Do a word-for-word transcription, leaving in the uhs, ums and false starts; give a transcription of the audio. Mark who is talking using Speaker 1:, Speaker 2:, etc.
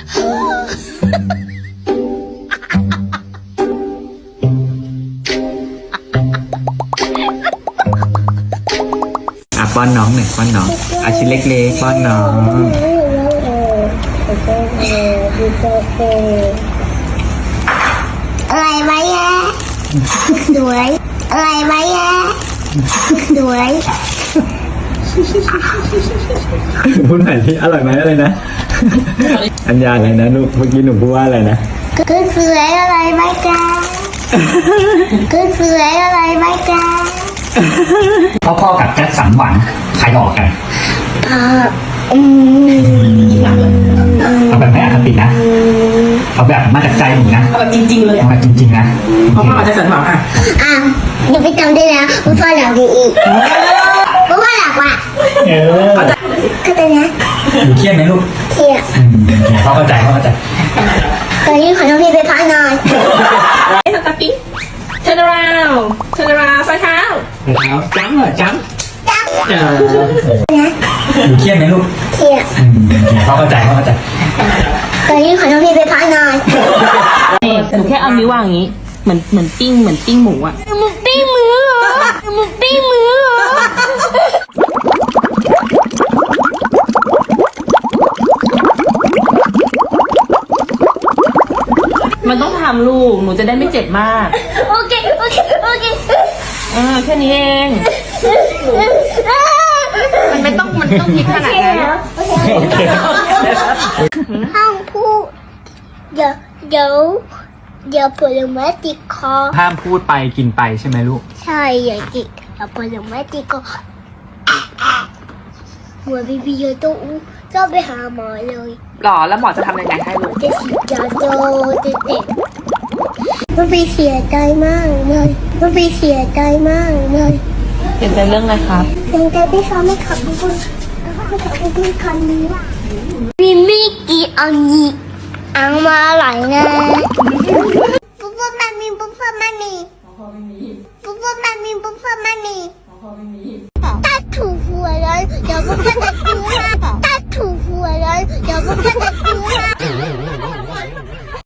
Speaker 1: อ่ะป้อนน้องหน่อยป้อนน้องอาชิ้นเล็กๆป้อนน้อง
Speaker 2: อะไรไหมอะสวยอะไรไหมอะสวย
Speaker 1: พูดใหม่ที่อร่อยไหมอะไรนะอัญญาอะไรนะลูกเมื่อกี้หนูพูดว่าอะไรนะ
Speaker 2: คือสวยอะไรไหมจ๊ะคือสวยอะไรไหมจ๊ะ
Speaker 3: พ่อๆกับแจ็คสันหวังใครหลอกกัน
Speaker 2: อ่าอืม
Speaker 3: เอาแบบไม่อคตินะเอาแบบมาจากใจหนูนะ
Speaker 4: เอาแบบจริงๆเลย
Speaker 3: เอาแบบจริงๆนะ
Speaker 4: เพราะพ่ออาจจะสันหวังอ่ะ
Speaker 2: อ่ะเดี๋ยวไปจำได้นะว่าพ่อหลักดีอีกเพราะว่าหลักว่ะ
Speaker 3: เออ
Speaker 2: เข้าใจนะ
Speaker 3: หนูเครียดไหมลูก
Speaker 2: เที่ย
Speaker 3: อืมพ่อเข้าใจพ่อเข้าใจ
Speaker 2: ตอนนี้ขอน้องพี่ไปพักนอน
Speaker 4: ไอ้สตาร์ปิ้ง turn around turn around ซ้ายเท้า
Speaker 3: แล้วจ้ำเหรอจ้ำ
Speaker 2: จับ
Speaker 3: เออหนูเครียดไหมลูก
Speaker 2: เที่ย
Speaker 3: อืมพ่อเข้าใจพ่อเข้าใจ
Speaker 2: ตอนนี้ขอน้องพี่ไปพักนอน
Speaker 4: หนูแค่เอานิ้ววางอย่างนี้ เหมือนเหมือนปิ้งเหมือนปิ้งหมูอ่ะ
Speaker 2: มึงปิ้งมือเหรอมึงปิ้งมือเหรอ
Speaker 4: มันต้องทำลูก หนูจะได้ไม่เจ็บมาก
Speaker 2: โอเคโอเคโอเค
Speaker 4: เออแค่นี้เอง มันไม่ต้องมันต้องคิดขนาดนั้น
Speaker 2: ห้ามพูดเดี๋ยวเดี๋ยวเดี๋ยวผลไม้ติดคอ
Speaker 1: ห้ามพูดไปกินไปใช่ไหมลูก
Speaker 2: ใช่อย่าติดเดี๋ยวผลไม้ติดคอหัวบีบีเยอะต้องก็ไปหาหมอเลย
Speaker 4: หรอแล้วหมอจะทำยังไงให้ลูก
Speaker 2: จะฉีดยาโดจะเด็กมันไปเสียใจมากเลยมันไปเสียใจมากเลย
Speaker 4: เปลี่ยนใจเรื่องอะไรครับ
Speaker 2: ยังใจพี่เขาไม่ขับบุญไม่ขับบุญคันนี้มีมิกี่อันนี้อังมาหลายนะปุ๊บปุ๊บมันมีปุ๊บปุ๊บมันมีปุ๊บปุ๊บมันมีปุ๊บปุ๊บมันมี